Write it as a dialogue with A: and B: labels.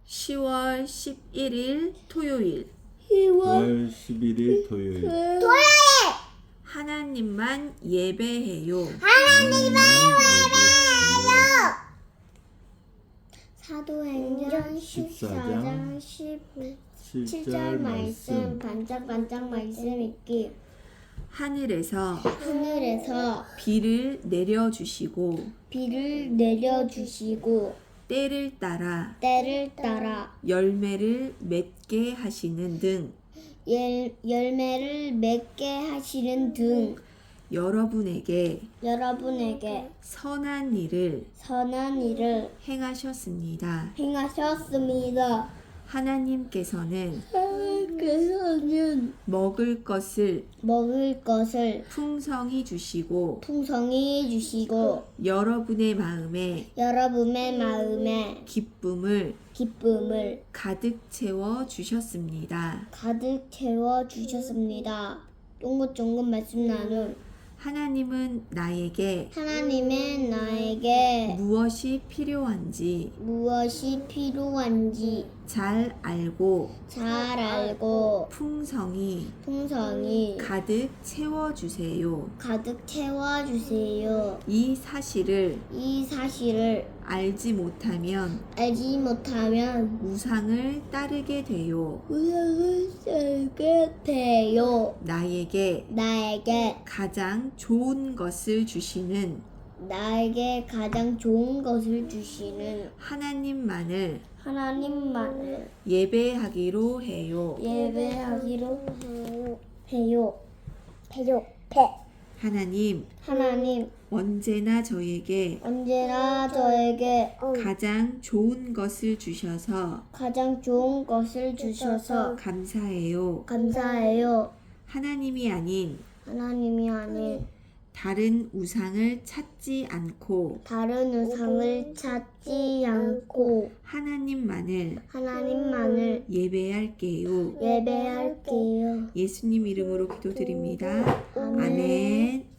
A: 10월 11일 토요일
B: 10월 11일 토요일
A: 하나님만 예배해요.
C: 사도행전 14장 17절 말씀 반짝반짝 말씀 읽기.
A: 하늘에서 비를 내려주시고
C: 비를 내려주시고
A: 때를 따라
C: 때를 따라
A: 열매를 맺게 하시는 등
C: 열매를 맺게 하시는 등
A: 여러분에게
C: 선한 일을
A: 행하셨습니다.
C: 행하셨습니다.
A: 하나님께서는
C: 먹을 것을
A: 풍성히 주시고 여러분의 마음에 기쁨을 가득 채워 주셨습니다.
C: 쫑긋쫑긋 말씀 나눔.
A: 하나님은 나에게 무엇이 필요한지 잘 알고 풍성히 가득 채워주세요. 이 사실을 알지 못하면 우상을 따르게 돼요. 나에게 가장 좋은 것을 주시는 하나님만을 예배하기로 해요. 하나님 언제나 저에게 가장 좋은 것을 주셔서 감사해요. 하나님이 아닌 다른 우상을 찾지 않고 하나님만을 예배할게요. 예수님 이름으로 기도드립니다. 아멘.